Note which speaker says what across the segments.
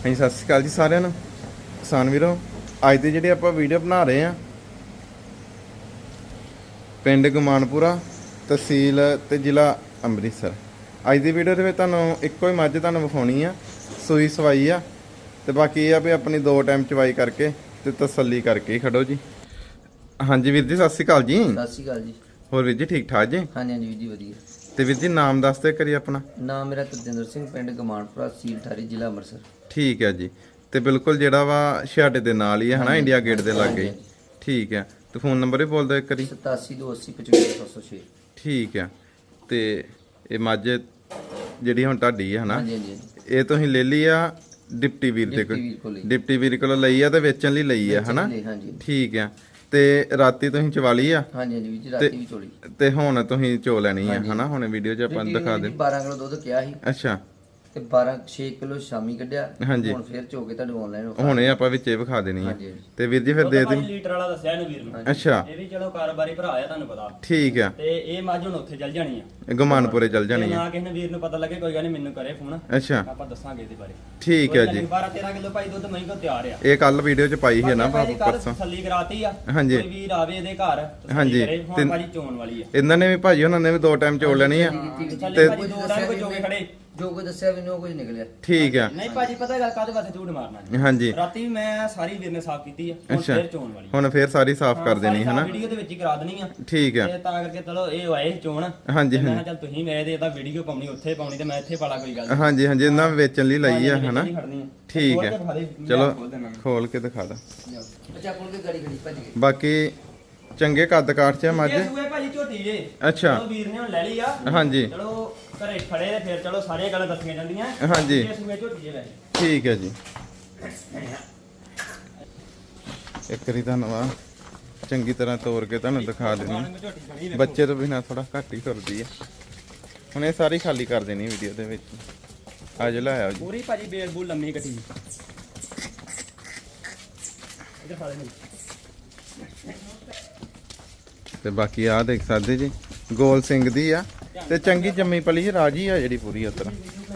Speaker 1: ਹਾਂਜੀ ਸਤਿ ਸ਼੍ਰੀ ਅਕਾਲ ਜੀ ਸਾਰਿਆਂ ਨੂੰ। ਕਿਸਾਨ ਵੀਰੋ, ਅੱਜ ਦੀ ਜਿਹੜੀ ਆਪਾਂ ਵੀਡੀਓ ਬਣਾ ਰਹੇ ਆ ਪਿੰਡ ਗੁਮਾਨਪੁਰਾ, ਤਹਿਸੀਲ ਤੇ ਜ਼ਿਲ੍ਹਾ ਅੰਮ੍ਰਿਤਸਰ। ਅੱਜ ਦੀ ਵੀਡੀਓ ਦੇ ਵਿੱਚ ਤੁਹਾਨੂੰ ਇੱਕੋ ਹੀ ਮੱਝ ਤੁਹਾਨੂੰ ਵਿਖਾਉਣੀ ਆ, ਸੂਈ ਸਵਾਈ ਆ। ਤੇ ਬਾਕੀ ਇਹ ਆ ਵੀ ਆਪਣੀ 2 ਟਾਈਮ ਚਵਾਈ ਕਰਕੇ ਤੇ ਤਸੱਲੀ ਕਰਕੇ ਹੀ ਖੜੋ ਜੀ। ਹਾਂਜੀ ਵੀਰ ਜੀ ਸਤਿ ਸ਼੍ਰੀ ਅਕਾਲ ਜੀ।
Speaker 2: ਸਤਿ ਸ਼੍ਰੀ ਅਕਾਲ ਜੀ।
Speaker 1: ਹੋਰ ਵੀਰ ਜੀ ਠੀਕ ਠਾਕ ਜੀ?
Speaker 2: ਹਾਂਜੀ ਹਾਂਜੀ ਵੀਰ ਜੀ ਵਧੀਆ।
Speaker 1: ਤੇ ਵੀਰ ਜੀ ਨਾਮ ਦੱਸ ਦਿਓ ਕਰੀ ਆਪਣਾ।
Speaker 2: ਨਾਮ ਮੇਰਾ ਤਜਿੰਦਰ ਸਿੰਘ, ਪਿੰਡ ਗਮਾਨਪੁਰਾ, ਤਹਿਸੀਲ ਠਾਰੀ, ਜ਼ਿਲ੍ਹਾ ਅੰਮ੍ਰਿਤਸਰ।
Speaker 1: ਠੀਕ ਹੈ ਜੀ। ਤੇ ਬਿਲਕੁਲ ਜਿਹੜਾ ਵਾ ਛਾੜੇ ਦੇ ਨਾਲ ਹੀ ਹੈ ਹਨਾ, ਇੰਡੀਆ ਗੇਟ ਦੇ ਲਾਗੇ ਹੀ। ਠੀਕ ਹੈ। ਤੇ ਫੋਨ ਨੰਬਰ ਵੀ ਬੋਲ ਦਿਓ ਇੱਕ ਵਾਰੀ।
Speaker 2: 8728055706।
Speaker 1: ਠੀਕ ਹੈ। ਤੇ ਇਹ ਮੱਝ ਜਿਹੜੀ ਹੁਣ ਤੁਹਾਡੀ ਹੈ ਹਨਾ,
Speaker 2: ਹਾਂਜੀ ਹਾਂਜੀ
Speaker 1: ਇਹ ਤੁਸੀਂ ਲੈ ਲਈ ਆ ਡਿਪਟੀ ਵੀਰ ਦੇ ਕੋਲ। ਡਿਪਟੀ ਵੀਰ ਕੋਲ ਲਈ ਆ ਤੇ ਵੇਚਣ ਲਈ ਲਈ ਆ ਹਨਾ।
Speaker 2: ਹਾਂਜੀ
Speaker 1: ਠੀਕ ਹੈ। ਤੇ ਰਾਤੀ ਤੁਸੀਂ ਚਵਾ ਲਈ ਆ?
Speaker 2: ਹਾਂਜੀ ਹਾਂਜੀ ਵੀਰ ਜੀ ਰਾਤੀ ਵੀ ਚੋਲੀ।
Speaker 1: ਤੇ ਹੁਣ ਤੁਸੀਂ ਚੋ ਲੈਣੀ ਆ ਹਨਾ। ਹੁਣ ਵੀਡੀਓ 'ਚ ਆਪਾਂ ਦਿਖਾ ਦੇ।
Speaker 2: 12 ਕਿਲੋ ਦੁੱਧ ਕਿਹਾ ਸੀ।
Speaker 1: ਅੱਛਾ।
Speaker 2: ਤੇ 6 ਕਿਲੋ ਸ਼ਾਮੀ ਕੱਢਿਆ।
Speaker 1: ਹਾਂਜੀ।
Speaker 2: ਹੁਣ ਫੇਰ ਚੋ ਕੇ ਤੁਹਾਨੂੰ ਆਨਲਾਈਨ
Speaker 1: ਹੁਣ ਇਹ ਆਪਾਂ ਵਿੱਚੇ ਵਿਖਾ ਦੇਣੀ ਆ।
Speaker 2: ਹਾਂਜੀ।
Speaker 1: ਤੇ ਵੀਰ ਜੀ ਫਿਰ ਦੇ ਦੇ।
Speaker 3: ਲੀਟਰ ਵਾਲਾ ਦੱਸਿਆ ਇਹਨੂੰ ਵੀਰ ਨੂੰ।
Speaker 1: ਅੱਛਾ।
Speaker 3: ਇਹ ਵੀ ਚਲੋ ਕਾਰੋਬਾਰੀ ਭਰਾ ਆ, ਤੁਹਾਨੂੰ ਪਤਾ।
Speaker 1: ਠੀਕ ਆ।
Speaker 3: ਤੇ ਇਹ ਮੱਝ ਹੁਣ ਉੱਥੇ ਚੱਲ ਜਾਣੀ ਆ,
Speaker 1: ਗੁਮਾਨਪੁਰੇ ਚੱਲ ਜਾਣੀ ਆ।
Speaker 3: ਨਾ ਕਿਸੇ ਨੇ ਵੀਰ ਨੂੰ ਪਤਾ ਲੱਗੇ ਕੋਈ ਗੱਲ ਨਹੀਂ, ਮੈਨੂੰ ਕਰੇ ਫੋਨ,
Speaker 1: ਅੱਛਾ
Speaker 3: ਆਪਾਂ ਦੱਸਾਂਗੇ ਇਹਦੇ ਬਾਰੇ।
Speaker 1: ਠੀਕ ਹੈ ਜੀ।
Speaker 3: 12-13 ਕਿਲੋ ਭਾਈ ਦੁੱਧ ਮਹੀਂ ਕੋ ਤਿਆਰ ਆ।
Speaker 1: ਇਹ ਕੱਲ ਵੀਡੀਓ 'ਚ ਪਾਈ ਹੈ ਨਾ
Speaker 3: ਭਾਜੀ ਕੱਲ੍ਹ
Speaker 1: ਪਰਸੋਂ।
Speaker 3: ਤਸੱਲੀ ਕਰਾਤੀ ਆ।
Speaker 1: ਹਾਂਜੀ।
Speaker 3: ਕੋਈ ਵੀਰ ਆਵੇ ਇਹਦੇ ਘਰ
Speaker 1: ਹਾਂਜੀ।
Speaker 3: ਤਸੱਲੀ ਕਰੇ, ਹੁਣ ਭਾਜੀ ਚੋਣ ਵਾਲੀ ਆ।
Speaker 1: ਇਹਨਾਂ ਨੇ ਵੀ ਭਾਜੀ ਉਹਨਾਂ ਨੇ ਵੀ 2 ਟਾਈਮ ਚੋਲ ਲੈਣੀ ਆ।
Speaker 3: ਤੇ ਭਾਜੀ 2 ਟਾਈਮ ਕੋਈ ਚੋਗੇ ਖੜੇ।
Speaker 2: ਜੋ ਕੋਈ ਦੱਸਿਆ ਮੈਨੂੰ ਕੁਝ ਨਿਕਲਿਆ।
Speaker 1: ਠੀਕ ਆ।
Speaker 3: ਨਹੀਂ ਭਾਜੀ ਪਤਾ ਗੱਲ ਕਾਹਦੇ ਵਾਸਤੇ ਝੂਠ ਮਾਰਨਾ ਜੀ।
Speaker 1: ਹਾਂਜੀ।
Speaker 3: ਰਾਤੀ ਵੀ ਮੈਂ ਸਾਰੀ ਵੀਰ ਨੇ ਸਾਫ਼ ਕੀਤੀ ਆ, ਹੁਣ
Speaker 1: ਅੱਛਾ।
Speaker 3: ਫੇਰ ਚੋਣ ਵਾਲੀ।
Speaker 1: ਹੁਣ ਫੇਰ ਸਾਰੀ ਸਾਫ਼ ਕਰ ਦੇਣੀ ਹਨਾ।
Speaker 3: ਵੀਡੀਓ ਦੇ ਵਿੱਚ ਹੀ ਕਰਾ ਦੇਣੀ ਆ।
Speaker 1: ਠੀਕ ਆ।
Speaker 3: ਤੇ ਤਾਂ ਕਰਕੇ ਚਲੋ ਇਹ ਆਏ ਚੋਣ।
Speaker 1: ਹਾਂਜੀ
Speaker 3: ਮੈਂ ਕਿਹਾ ਚੱਲ ਤੁਸੀਂ ਮੇਰੇ ਤੇ ਇਹਦਾ ਵੀਡੀਓ ਪਾਉਣੀ, ਉੱਥੇ ਪਾਉਣੀ ਤੇ ਮੈਂ ਇੱਥੇ ਪਾਲਾ, ਕੋਈ ਗੱਲ
Speaker 1: ਹਾਂਜੀ ਹਾਂਜੀ। ਇਹਨਾਂ ਵੇਚਣ ਲਈ ਲਈ ਆ ਹਨਾ। ਠੀਕ
Speaker 3: ਖੋਲ
Speaker 1: ਹੈ।
Speaker 3: ਕੇ ਦਿਖਾ ਦੇ,
Speaker 1: ਚਲੋ
Speaker 3: ਖੋਲ ਦੇਣਾ।
Speaker 1: ਖੋਲ ਕੇ ਦਿਖਾ ਦਾਂ।
Speaker 2: ਬੱਚਾ ਕੋਲ ਕੇ ਗੜੀ ਭੱਜ ਗਈ।
Speaker 1: ਬਾਕੀ ਚੰਗੇ ਕੱਦ ਕਾਠ 'ਚ ਆ ਮੱਝ।
Speaker 3: ਇਹ ਸੂਏ ਭਾਜੀ ਝੋਟੀ ਜੇ।
Speaker 1: ਅੱਛਾ।
Speaker 3: ਚਲੋ ਵੀਰ ਨੇ ਹੁਣ ਲੈ ਲਈ ਆ।
Speaker 1: ਹਾਂਜੀ।
Speaker 3: ਚਲੋ ਘਰੇ ਖੜੇ ਤੇ ਫਿਰ ਚਲੋ ਸਾਰੀਆਂ ਗੱਲਾਂ ਦੱਸੀਆਂ ਜਾਂਦੀਆਂ।
Speaker 1: ਹਾਂਜੀ।
Speaker 3: ਇਹ ਸੂਏ ਝੋਟੀ ਜੇ ਲੈ।
Speaker 1: ਠੀਕ ਹੈ ਜੀ। ਇੱਕ ਵਾਰੀ ਧੰਨਵਾਦ, ਚੰਗੀ ਤਰ੍ਹਾਂ ਤੋੜ ਕੇ ਤੁਹਾਨੂੰ ਦਿਖਾ ਦੇਣੀ। ਬੱਚੇ ਤੋਂ ਬਿਨਾਂ ਥੋੜਾ ਘੱਟ ਹੀ ਤੁਰਦੀ ਹੈ। ਹੁਣ ਇਹ ਸਾਰੀ ਖਾਲੀ ਕਰ ਦੇਣੀ ਵੀਡੀਓ ਦੇ ਵਿੱਚ। ਅੱਜ ਲਾਇਆ ਜੀ
Speaker 3: ਪੂਰੀ ਭਾਜੀ ਬੇਲ ਬੂਲ ਲੰਮੀ ਕੱਟੀ। ਇੱਧਰ ਫੜ ਲੈ।
Speaker 1: ਤੇ ਬਾਕੀ ਆ ਦੇਖ ਸਕਦੇ ਜੀ, ਗੋਲ ਸਿੰਘ ਦੀ ਆ ਤੇ ਚੰਗੀ ਜੰਮੀ ਪਲੀ ਰਾਜੀ ਆ ਜਿਹੜੀ ਪੂਰੀ ਉਤਰ।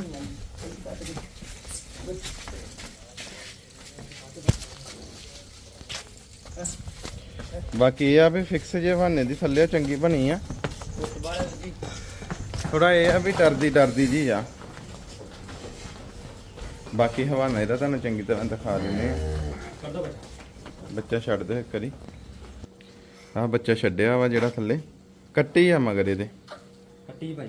Speaker 1: ਬਾਕੀ ਇਹ ਆ ਵੀ ਫਿਕਸ ਜੇ ਬਹਾਨੇ ਦੀ ਥੱਲੇ ਚੰਗੀ ਬਣੀ ਆ। ਥੋੜਾ ਇਹ ਆ ਵੀ ਡਰਦੀ ਜੀ ਆ। ਬਾਕੀ ਹਵਾਨਾ ਇਹਦਾ ਤੁਹਾਨੂੰ ਚੰਗੀ ਤਰ੍ਹਾਂ ਦਿਖਾ ਦਿੰਦੇ ਆ। ਬੱਚਾ ਛੱਡ ਦਿਓ ਇੱਕ ਵਾਰੀ। ਆਹ ਬੱਚਾ ਛੱਡਿਆ ਵਾ ਜਿਹੜਾ ਥੱਲੇ, ਕੱਟੀ ਆ ਮਗਰ ਇਹਦੇ।
Speaker 3: ਕੱਟੀ ਭਾਈ।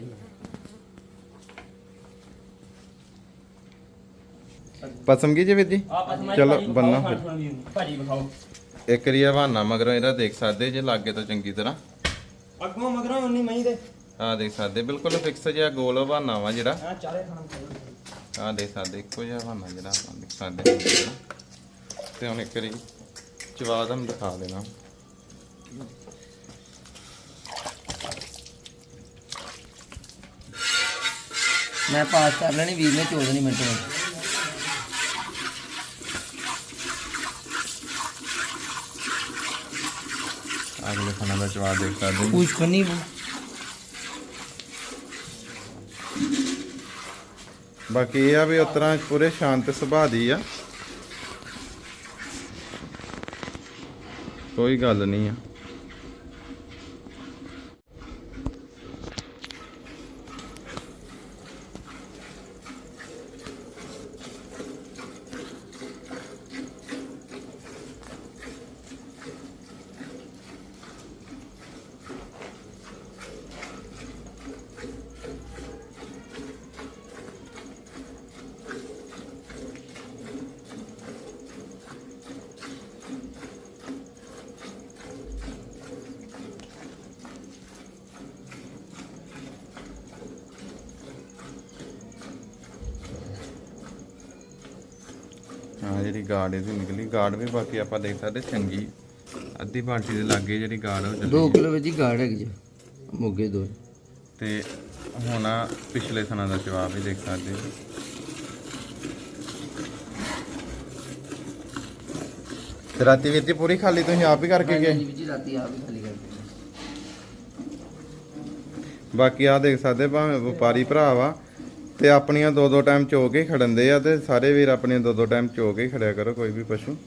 Speaker 1: ਪਸਮ ਕੀ ਜੀ ਵੀਰ ਜੀ? ਚਲੋ ਬੰਨਾ ਫਿਰ
Speaker 3: ਭਾਜੀ ਵਿਖਾਓ
Speaker 1: ਇੱਕ ਵਾਰੀ ਹਵਾਨਾ ਮਗਰੋਂ ਇਹਦਾ ਦੇਖ ਸਕਦੇ ਜੇ ਲਾਗੇ ਤੋਂ ਚੰਗੀ ਤਰ੍ਹਾਂ।
Speaker 3: ਅੱਗੋਂ ਮਗਰੋਂ ਉਨੀ ਮਹੀਂ ਦੇ।
Speaker 1: ਆਹ ਦੇਖ ਸਕਦੇ ਬਿਲਕੁਲ ਫਿਕਸ ਜਿਹਾ ਗੋਲ ਹਵਾਨਾ ਵਾ ਜਿਹੜਾ।
Speaker 3: ਆ ਚਾਰੇ ਖਾਣ।
Speaker 1: ਆਹ ਦੇਖ ਸਕਦੇ ਇੱਕੋ ਜਿਹਾ ਹਵਾਨਾ ਜਿਹੜਾ ਆਪਾਂ ਦੇਖ ਸਕਦੇ ਹਾਂ। ਤੇ ਹੁਣ ਇੱਕ ਵਾਰੀ ਚਵਾ ਦਮ ਦਿਖਾ ਦੇਣਾ।
Speaker 2: ਮੈਂ ਪਾਸ ਕਰ ਲੈਣੀ, ਵੀਰ ਨੇ ਚੋਲ ਨਹੀਂ ਮਿੰਟ ਵਿੱਚ।
Speaker 1: ਅਗਲੇ ਖਾਣਾ ਦਾ ਚਵਾ ਦੇਖ ਸਕਦੇ
Speaker 2: ਕੁਝ ਖਣੀ।
Speaker 1: ਬਾਕੀ ਇਹ ਆ ਵੀ ਉਸ ਤਰ੍ਹਾਂ ਪੂਰੇ ਸ਼ਾਂਤ ਸੁਭਾਅ ਦੀ ਆ, ਕੋਈ ਗੱਲ ਨਹੀਂ ਆ। ਹਾਂ ਜਿਹੜੀ ਗਾਰਡ ਇਹਦੀ ਨਿਕਲੀ, ਗਾਰਡ ਵੀ ਬਾਕੀ ਆਪਾਂ ਦੇਖ ਸਕਦੇ ਚੰਗੀ ਅੱਧੀ ਬਾਲਟੀ ਦੇ ਲਾਗੇ ਜਿਹੜੀ ਗਾਰਡ ਉਹ ਚੱਲੀ
Speaker 2: 2 ਕਿਲੋ ਵਿੱਚ ਹੀ ਗਾੜ ਹੈਗੀ ਜੀ, ਮੋਗੇ 2।
Speaker 1: ਤੇ ਹੁਣ ਪਿਛਲੇ ਥਣਾ ਦਾ ਜਵਾਬ ਵੀ ਦੇਖ ਸਕਦੇ ਹੋ। ਤੇ ਰਾਤੀ ਵੀਰ ਜੀ ਪੂਰੀ ਖਾਲੀ ਤੁਸੀਂ ਆਪ ਹੀ ਕਰਕੇ ਗਏ?
Speaker 2: ਜੀ ਰਾਤੀ ਆਪ ਹੀ ਖਾਲੀ ਕਰਕੇ।
Speaker 1: ਬਾਕੀ ਆ ਦੇਖ ਸਕਦੇ ਭਾਵੇਂ ਵਪਾਰੀ ਭਰਾ ਵਾ ਤੇ ਆਪਣੀਆਂ ਦੋ ਦੋ ਟਾਈਮ ਚੋ ਕੇ ਖੜਨਦੇ ਆ ਤੇ ਸਾਰੇ ਵੀਰ ਆਪਣੀਆਂ ਦੋ ਦੋ ਟਾਈਮ ਚੋ ਕੇ ਖੜਿਆ ਕਰੋ ਕੋਈ ਵੀ ਪਸ਼ੂ।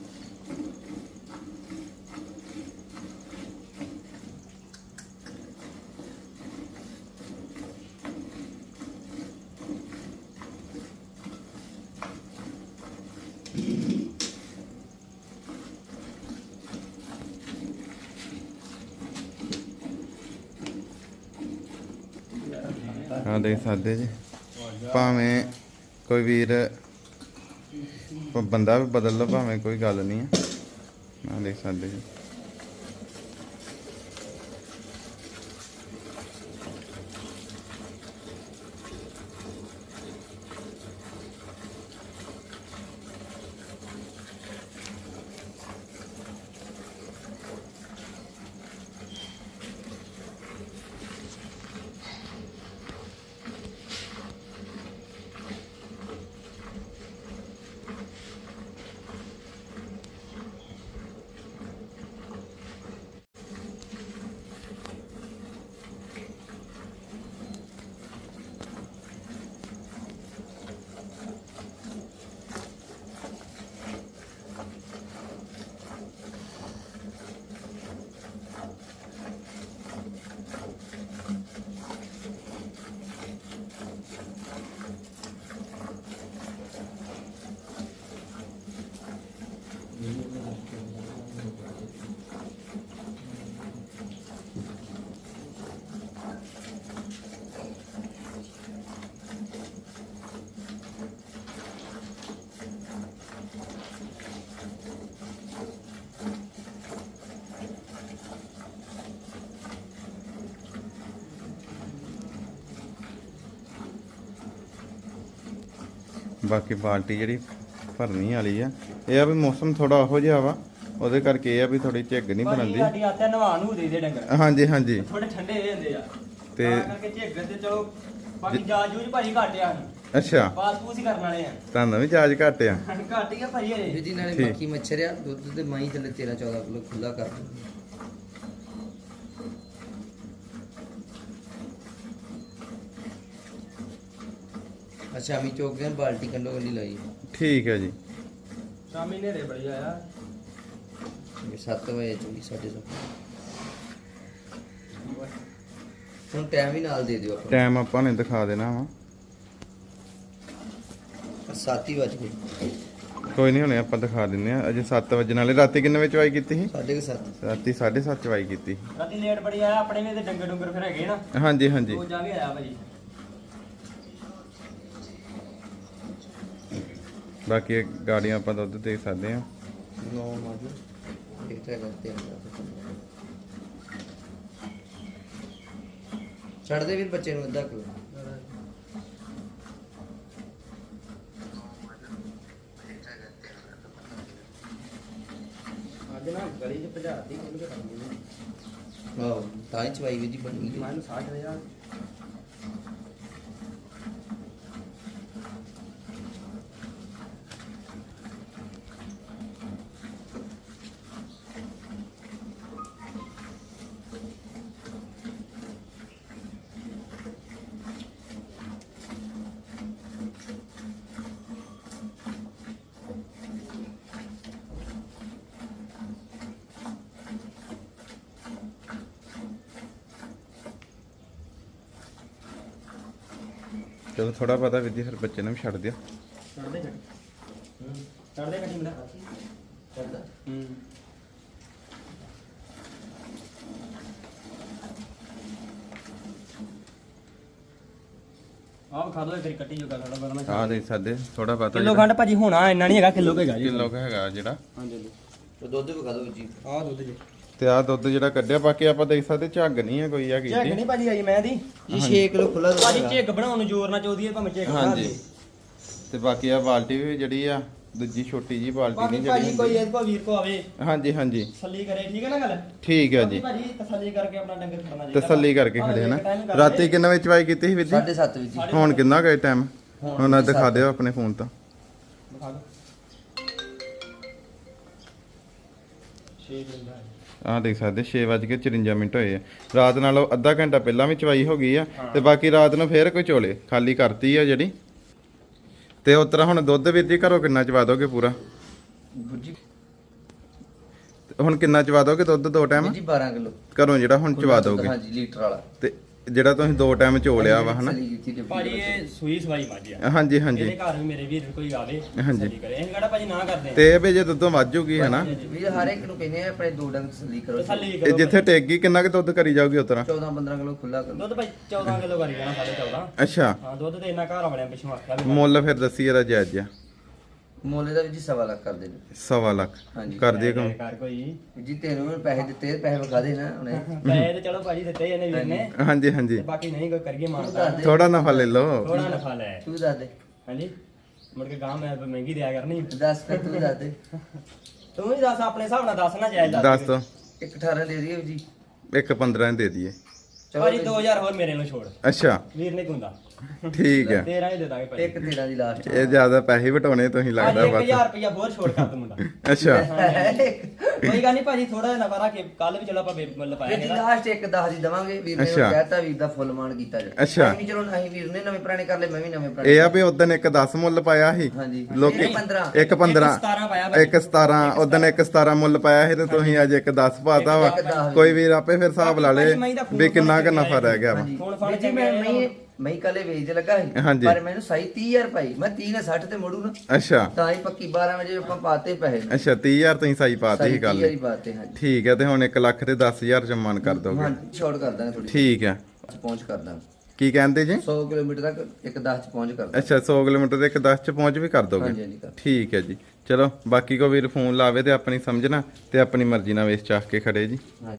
Speaker 1: ਆ ਦੇਖ ਸਕਦੇ ਜੀ, ਭਾਵੇਂ ਕੋਈ ਵੀਰ ਬੰਦਾ ਵੀ ਬਦਲ ਲਓ, ਭਾਵੇਂ ਕੋਈ ਗੱਲ ਨਹੀਂ ਹੈ। ਆ ਦੇਖ ਸਕਦੇ ਜੀ। ਬਾਕੀ ਬਾਲਟੀ ਜਿਹੜੀ ਭਰਨੀ ਵਾਲੀ ਆ, ਇਹ ਆ ਵੀ ਮੌਸਮ ਥੋੜਾ ਉਹੋ ਜਿਹਾ ਵਾ, ਉਹਦੇ ਕਰਕੇ ਇਹ ਆ ਵੀ ਥੋੜੀ ਝੱਗ ਨਹੀਂ ਬਣਦੀ।
Speaker 3: ਸਾਡੀ ਆਦਤ ਨਵਾਂ ਨੂੰ ਦੇ ਡੰਗਰ।
Speaker 1: ਹਾਂਜੀ ਹਾਂਜੀ
Speaker 3: ਥੋੜੇ ਠੰਡੇ ਹੋ ਜਾਂਦੇ ਆ
Speaker 1: ਤੇ
Speaker 3: ਤਾਂ ਕਰਕੇ ਝੱਗ ਤੇ ਚਲੋ ਬਾਕੀ ਜਾਜ ਜੂਜ ਭਾਜੀ ਘੱਟ ਆ।
Speaker 1: ਅੱਛਾ,
Speaker 3: ਪਾਸ ਪੂਸ ਹੀ ਕਰਨ ਵਾਲੇ ਆ।
Speaker 1: ਤੁਹਾਨੂੰ ਵੀ ਚਾਰਜ ਘੱਟ ਆ?
Speaker 3: ਘੱਟ ਹੀ ਆ ਭਾਜੀ ਹਰੇ।
Speaker 2: ਜਿਹਦੀ ਨਾਲੇ
Speaker 1: ਠੀਕ।
Speaker 2: ਮੱਖੀ ਮੱਛਰ ਆ, ਦੁੱਧ ਤੇ ਮਾਈ ਥੱਲੇ 13-14 ਕਿਲੋ ਖੁੱਲਾ ਕਰ ਦਿੰਦੀ। ਸ਼ਾਮੀ ਚੌਕ ਦੇ ਬਾਲਟੀ ਕੰਡੋ ਕੰਡੀ ਲਾਈ।
Speaker 1: ਠੀਕ ਹੈ ਜੀ।
Speaker 3: ਸ਼ਾਮੀ ਨੇਰੇ ਬੜੀ ਆਇਆ।
Speaker 2: 7 ਵਜੇ ਚੋਈ 7:30। ਹੁਣ ਟਾਈਮ ਵੀ ਨਾਲ ਦੇ ਦਿਓ ਆਪਾਂ।
Speaker 1: ਟਾਈਮ ਆਪਾਂ ਨੇ ਦਿਖਾ ਦੇਣਾ ਵਾ।
Speaker 2: 7 ਹੀ ਵੱਜ ਗਏ।
Speaker 1: ਕੋਈ ਨਹੀਂ, ਹੁਣੇ ਆਪਾਂ ਦਿਖਾ ਦਿੰਨੇ ਆ। ਅਜੇ 7 ਵਜੇ ਵਾਲੇ। ਰਾਤੀ ਕਿੰਨੇ ਵਜੇ ਚਵਾਈ ਕੀਤੀ ਸੀ?
Speaker 2: 7:30।
Speaker 1: ਰਾਤੀ 7:30 ਚਵਾਈ ਕੀਤੀ ਸੀ।
Speaker 3: ਰਾਤੀ ਲੇਟ ਬੜੀ ਆਇਆ। ਆਪਣੇ ਨੇ ਤੇ ਡੰਗਰ ਡੰਗਰ ਫਿਰ ਹੈਗੇ ਨਾ।
Speaker 1: ਹਾਂਜੀ ਹਾਂਜੀ।
Speaker 3: ਉਹ ਜਾ ਕੇ ਆਇਆ ਭਾਜੀ।
Speaker 1: ਬਾਕੀ ਗਾੜੀਆਂ ਆਪਾਂ ਦੁੱਧ ਦੇਖ ਸਕਦੇ ਆ।
Speaker 2: 9 ਵਜੇ ਇਹ ਤਾਂ ਕਰਤੇ ਛੱਡ ਦੇ ਵੀਰ ਬੱਚੇ ਨੂੰ ਅੱਧਾ ਕਿਲੋ।
Speaker 3: ਅੱਜ ਨਾ ਗਲੀ 'ਚ ਭਜਾਤੀ ਖੁੱਲ ਕੇ ਖਾਂਦੀ ਨੇ।
Speaker 2: ਆਹ ਤਾਂ ਹੀ ਚਵਾਈ ਵੀ ਜੀ ਬਣੀ ਗਈ।
Speaker 3: ਮੈਨੂੰ 60,000
Speaker 1: ਚਲੋ ਥੋੜਾ ਪਤਾ ਵਿਧੀ, ਫਿਰ ਬੱਚੇ ਨੂੰ ਵੀ ਛੱਡ ਦਿਓ।
Speaker 3: ਚੜਦੇ ਚੜਦੇ ਕੱਟੀ ਮਿਲਾ
Speaker 2: ਚੜਦਾ
Speaker 3: ਆਪ ਖਾ ਦੋ ਫਿਰ ਕੱਟੀ ਜੋਗਾ ਥੋੜਾ ਬਦਲਣਾ।
Speaker 1: ਆ ਦੇਖ ਸਕਦੇ, ਥੋੜਾ ਪਤਾ
Speaker 3: ਕਿਲੋ ਖੰਡ ਭਾਜੀ ਹੋਣਾ ਇੰਨਾ ਨਹੀਂ ਹੈਗਾ, ਕਿਲੋ ਹੈਗਾ ਜੀ।
Speaker 1: ਕਿਲੋ ਹੈਗਾ ਜਿਹੜਾ।
Speaker 3: ਹਾਂਜੀ ਜੀ।
Speaker 2: ਤੇ ਦੁੱਧ ਵਿਖਾ ਦਿਓ ਜੀ।
Speaker 3: ਆਹ ਦੁੱਧ ਜੀ।
Speaker 1: ਤੇ ਆ ਦੁੱਧ ਜਿਹੜਾ ਕੱਢਿਆ, ਬਾਕੀ ਆਪਾਂ ਦੇਖ ਸਕਦੇ ਝੱਗ ਨਹੀਂ ਹੈ ਕੋਈ ਆ
Speaker 3: ਝੱਗ
Speaker 1: ਕੀਤੀ।
Speaker 3: ਨਹੀਂ ਭਾਜੀ ਆਈ ਮੈਂ ਦੀ
Speaker 2: ਜੀ 6 ਕਿਲੋ ਖੁੱਲਾ ਦੁੱਧ
Speaker 3: ਭਾਜੀ
Speaker 2: ਹੈਗਾ।
Speaker 3: ਝੱਗ ਬਣਾਉਣ ਨੂੰ ਜ਼ੋਰ ਨਾ ਚਾਹਦੀ ਹੈ, ਭਾਵੇਂ ਝੱਗ ਬਣਾ
Speaker 1: ਹਾਂਜੀ।
Speaker 3: ਦੇ।
Speaker 1: ਤੇ ਬਾਕੀ ਆ ਬਾਲਟੀ ਵੀ ਜਿਹੜੀ ਆ ਦੂਜੀ ਛੋਟੀ ਜੀ ਬਾਲਟੀ
Speaker 3: ਬਾਕੀ
Speaker 1: ਨਹੀਂ
Speaker 3: ਭਾਜੀ
Speaker 1: ਜਿਹੜੀ
Speaker 3: ਕੋਈ ਇਹਦੇ ਕੋ ਵੀਰ ਕੋ ਆਵੇ
Speaker 1: ਹਾਂਜੀ ਹਾਂਜੀ
Speaker 3: ਤਸੱਲੀ ਕਰੇ, ਠੀਕ ਹੈ ਨਾ ਗੱਲ।
Speaker 1: ਠੀਕ ਹੈ ਜੀ।
Speaker 3: ਭਾਜੀ ਤਸੱਲੀ ਕਰਕੇ ਆਪਣਾ ਡੰਗਰ ਖੜਨਾ ਚਾਹੀਦਾ।
Speaker 1: ਤਸੱਲੀ ਕਰਕੇ ਖੜੇ ਨਾ। ਰਾਤੀ ਕਿੰਨੇ ਵਜੇ ਚਵਾਈ ਕੀਤੀ ਸੀ ਵੀਰ ਜੀ?
Speaker 2: 7:30 ਵਜੇ ਜੀ।
Speaker 1: ਹੁਣ ਕਿੰਨਾ ਗਏ ਟਾਈਮ? ਹੁਣ ਆ ਦਿਖਾ ਦਿਓ ਆਪਣੇ ਫੋਨ ਤੋਂ।
Speaker 3: ਦਿਖਾ ਦਿਓ 6 ਦਿਨ ਦਾ
Speaker 1: ਆਹ ਦੇਖ ਸਕਦੇ 6:54 ਹੋਏ ਆ। ਰਾਤ ਨਾਲੋਂ ਅੱਧਾ ਘੰਟਾ ਪਹਿਲਾਂ ਵੀ ਚਵਾਈ ਹੋ ਗਈ ਆ ਤੇ ਬਾਕੀ ਰਾਤ ਨੂੰ ਫੇਰ ਕੋਈ ਚੋਲੇ ਖਾਲੀ ਕਰਤੀ ਆ ਜਿਹੜੀ। ਤੇ ਉਸ ਤਰ੍ਹਾਂ ਹੁਣ ਦੁੱਧ ਵੀਰ ਜੀ ਘਰੋਂ ਕਿੰਨਾ ਚਵਾ ਦੋਗੇ ਪੂਰਾ?
Speaker 2: ਜੀ
Speaker 1: ਹੁਣ ਕਿੰਨਾ ਚਵਾ ਦੋਗੇ ਦੁੱਧ ਦੋ ਟਾਈਮ
Speaker 2: ਜੀ 12 ਕਿਲੋ
Speaker 1: ਘਰੋਂ ਜਿਹੜਾ ਹੁਣ ਚਵਾ ਦੋਗੇ?
Speaker 2: ਹਾਂਜੀ ਲੀਟਰ ਵਾਲਾ।
Speaker 1: ਤੇ ਜਿਹੜਾ ਤੁਸੀਂ ਦੋ ਟਾਈਮ ਚੋ ਲਿਆ ਵਾ ਹਨਾ?
Speaker 2: ਤਸੱਲੀ ਕੀਤੀ ਤੇ
Speaker 3: ਭਾਜੀ ਇਹ ਸੂਈ ਸਵਾਈ ਮੱਝ ਆ।
Speaker 1: ਹਾਂਜੀ ਹਾਂਜੀ।
Speaker 3: ਇਹਦੇ ਘਰ ਵੀ ਮੇਰੇ ਵੀਰ ਕੋਈ ਆਵੇ
Speaker 1: ਹਾਂਜੀ।
Speaker 3: ਤਸੱਲੀ ਕਰੇ, ਅਸੀਂ ਕਿਹੜਾ ਭਾਜੀ ਨਾ ਕਰਦੇ
Speaker 1: ਤੇ ਇਹ ਵੀ ਜੇ ਦੁੱਧੋਂ ਵੱਧ ਜੂਗੀ ਹਨਾ?
Speaker 2: ਵੀਰ ਹਰ ਇੱਕ ਨੂੰ ਕਹਿੰਦੇ ਆ ਆਪਣੇ ਦੋ ਡੰਗ ਤਸੱਲੀ ਕਰੋ।
Speaker 3: ਤਸੱਲੀ
Speaker 1: ਇਹ
Speaker 3: ਕਰੋ
Speaker 1: ਜਿੱਥੇ ਟੇਕ ਗਈ ਕਿੰਨਾ ਕੁ ਦੁੱਧ ਕਰੀ ਜਾਊਗੀ ਉਸ ਤਰ੍ਹਾਂ?
Speaker 2: 14-15 ਕਿਲੋ ਖੁੱਲਾ ਕਰੋ।
Speaker 3: ਦੁੱਧ ਭਾਈ 14 ਕਿਲੋ ਕਰੀ ਜਾਣਾ 14.5।
Speaker 1: ਅੱਛਾ,
Speaker 3: ਹਾਂ ਦੁੱਧ ਤੇ ਇੰਨਾ ਘਰ ਵਾਲਿਆਂ ਪਿੱਛੋਂ ਆਖਿਆ ਵੀ
Speaker 1: ਮੁੱਲ ਫਿਰ ਦੱਸੀ ਇਹਦਾ ਜਾਇਜ਼ ਜਿਹਾ।
Speaker 2: ਮੁੱਲ ਦਾ ਵੀ ਜੀ 1.25 ਲੱਖ ਕਰ ਦੇ।
Speaker 1: 1.25 ਲੱਖ
Speaker 2: ਹਾਂਜੀ।
Speaker 1: ਕਰ ਦੇ ਕਮ?
Speaker 3: ਕਰ ਕੋਈ
Speaker 2: ਜੀ ਤੈਨੂੰ ਪੈਸੇ ਦਿੱਤੇ, ਪੈਸੇ ਵਿਖਾ ਦੇ ਨਾ ਹੁਣੇ।
Speaker 3: ਪੈਸੇ ਤੇ ਚਲੋ ਭਾਜੀ ਦਿੱਤੇ ਇਹਨੇ ਵੀਰ ਨੇ,
Speaker 1: ਹਾਂਜੀ ਹਾਂਜੀ।
Speaker 3: ਤੇ ਬਾਕੀ ਨਹੀਂ ਕੋਈ ਕਰੀਏ
Speaker 2: ਤੂੰ
Speaker 3: ਮਾਨਤਾ,
Speaker 2: ਦੱਸ ਦੇ,
Speaker 1: ਥੋੜਾ ਨਫਾ ਲੈ ਲਓ।
Speaker 3: ਥੋੜਾ ਨਫਾ ਲੈ।
Speaker 2: ਤੂੰ ਦੱਸ ਦੇ,
Speaker 3: ਹਾਂਜੀ ਮੁੜ ਕੇ ਗਾਂ ਮੈਂ ਮਹਿੰਗੀ ਦਿਆ ਕਰਨੀ।
Speaker 2: ਦੱਸ ਫਿਰ ਤੂੰ ਦੱਸ ਦੇ।
Speaker 3: ਤੂੰ ਵੀ ਦੱਸ ਆਪਣੇ ਹਿਸਾਬ ਨਾਲ ਦੱਸ ਨਾ ਜਾਇਜ਼
Speaker 1: ਦੱਸ ਦੋ।
Speaker 2: 1.18 ਦੇ ਦਈਏ ਜੀ।
Speaker 1: 1.15 ਦੇ ਦਈਏ।
Speaker 3: ਭਾਜੀ 2000 ਹੋਰ ਮੇਰੇ ਨੂੰ ਛੋੜ,
Speaker 1: ਅੱਛਾ
Speaker 3: ਵੀਰ ਨੇ ਗੁੰਦਾ
Speaker 1: ਠੀਕ ਹੈ।
Speaker 3: 13 ਹੀ ਦੇ ਦਾਂਗੇ ਭਾਜੀ।
Speaker 2: 1.13 ਦੀ ਲਾਸਟ।
Speaker 1: ਇਹ ਜ਼ਿਆਦਾ ਪੈਸੇ ਵਟਾਉਣੇ ਤੁਸੀਂ ਲੱਗਦਾ
Speaker 3: ਭਾਜੀ
Speaker 1: ਬਸ।
Speaker 3: 1000 ਰੁਪਇਆ ਹੋਰ ਛੋੜ ਕਰ ਦੂੰ ਮੁੰਡਾ।
Speaker 1: ਅੱਛਾ
Speaker 3: ਕੋਈ ਗੱਲ ਨਹੀਂ ਭਾਜੀ, ਥੋੜਾ ਜਿਹਾ ਨਫਾ ਰੱਖ ਕੇ ਕੱਲ ਵੀ ਚਲੋ ਆਪਾਂ ਮੁੱਲ ਪਾਇਆ
Speaker 2: ਵੀਰ ਜੀ
Speaker 3: ਇਹਦਾ।
Speaker 2: ਲਾਸਟ 1.10 ਦੀ ਦਵਾਂਗੇ। ਵੀਰ ਨੇ
Speaker 1: ਅੱਛਾ।
Speaker 2: ਕਹਿਤਾ ਵੀਰ ਦਾ ਫੁੱਲ ਮਾਨ ਕੀਤਾ ਜੀ।
Speaker 1: ਅੱਛਾ।
Speaker 2: ਨਹੀਂ ਚਲੋ ਨਹੀਂ ਵੀਰ ਨੇ ਨਵੇਂ ਪੁਰਾਣੇ ਕਰ ਲਏ, ਮੈਂ ਵੀ ਨਵੇਂ ਪੁਰਾਣੇ।
Speaker 1: ਇਹ ਆ ਵੀ ਉਦੋਂ ਇੱਕ 10 ਮੁੱਲ ਪਾਇਆ ਸੀ
Speaker 2: ਹਾਂਜੀ।
Speaker 1: ਲੋਕੀ।
Speaker 2: 1.15
Speaker 1: ਇੱਕ 15
Speaker 3: 17 ਪਾਇਆ ਭਾਜੀ।
Speaker 1: 1.17 ਉਦੋਂ 1.17 ਮੁੱਲ ਪਾਇਆ ਸੀ ਤੇ ਤੁਸੀਂ ਅੱਜ 1.10 ਪਾਤਾ ਵਾ।
Speaker 2: 1.10
Speaker 1: ਕੋਈ ਵੀਰ ਆਪੇ ਫਿਰ ਹਿਸਾਬ ਲਾ ਲੇ ਵੀ ਕਿੰਨਾ ਕੁ ਨਫਾ ਰਹਿ ਗਿਆ ਵਾ।
Speaker 2: ਹਾਂਜੀ।
Speaker 3: ਹੁਣ ਫੜ
Speaker 2: ਵੀਰ ਜੀ ਮੈਂ ਕੱਲੇ ਵੇਚ ਲੱਗਾ ਸੀ,
Speaker 1: ਹਾਂਜੀ।
Speaker 2: ਪਰ ਮੈਨੂੰ ਸਹੀ 30000 ਪਾਈ। ਮੈਂ 30 ਨੇ 60 ਤੇ ਮੋੜੂ ਨਾ,
Speaker 1: ਅੱਛਾ
Speaker 2: ਤਾਂ ਹੀ ਪੱਕੀ 12 ਵਜੇ ਆਪਾਂ ਪਾਤੇ ਪੈਸੇ।
Speaker 1: ਅੱਛਾ 30000 ਤੁਸੀਂ ਸਾਈ ਪਾਤੀ ਸੀ ਗੱਲ।
Speaker 2: 30,000 ਹੀ ਪਾਤੇ। ਹਾਂਜੀ
Speaker 1: ਠੀਕ ਹੈ। ਤੇ ਹੁਣ 1 ਲੱਖ ਤੇ 10,000 ਚ ਮਨ ਕਰ ਦੋਗੇ?
Speaker 2: ਹਾਂਜੀ ਸ਼ਾਰਟ ਕਰ ਦਾਂਗੇ ਥੋੜੀ।
Speaker 1: ਠੀਕ ਹੈ।
Speaker 2: ਪਹੁੰਚ ਕਰ ਦਾਂਗੇ
Speaker 1: ਕੀ ਕਹਿੰਦੇ ਜੀ?
Speaker 2: 100 ਕਿਲੋਮੀਟਰ ਤੱਕ 1.10 ਚ ਪਹੁੰਚ ਕਰ ਦਾਂਗੇ।
Speaker 1: ਅੱਛਾ 100 ਕਿਲੋਮੀਟਰ ਤੇ 1.10 ਚ ਪਹੁੰਚ ਵੀ ਕਰ ਦੋਗੇ?
Speaker 2: ਹਾਂਜੀ ਹਾਂਜੀ ਕਰ।
Speaker 1: ਠੀਕ ਹੈ ਜੀ। ਚਲੋ ਬਾਕੀ ਕੋ ਵੀਰ ਫੋਨ ਲਾਵੇ ਤੇ ਆਪਣੀ ਸਮਝਣਾ ਤੇ ਆਪਣੀ ਮਰਜ਼ੀ ਨਾਲ ਵੇਚ ਚਾਹ ਕੇ ਖੜੇ ਜੀ।
Speaker 2: ਹਾਂਜੀ।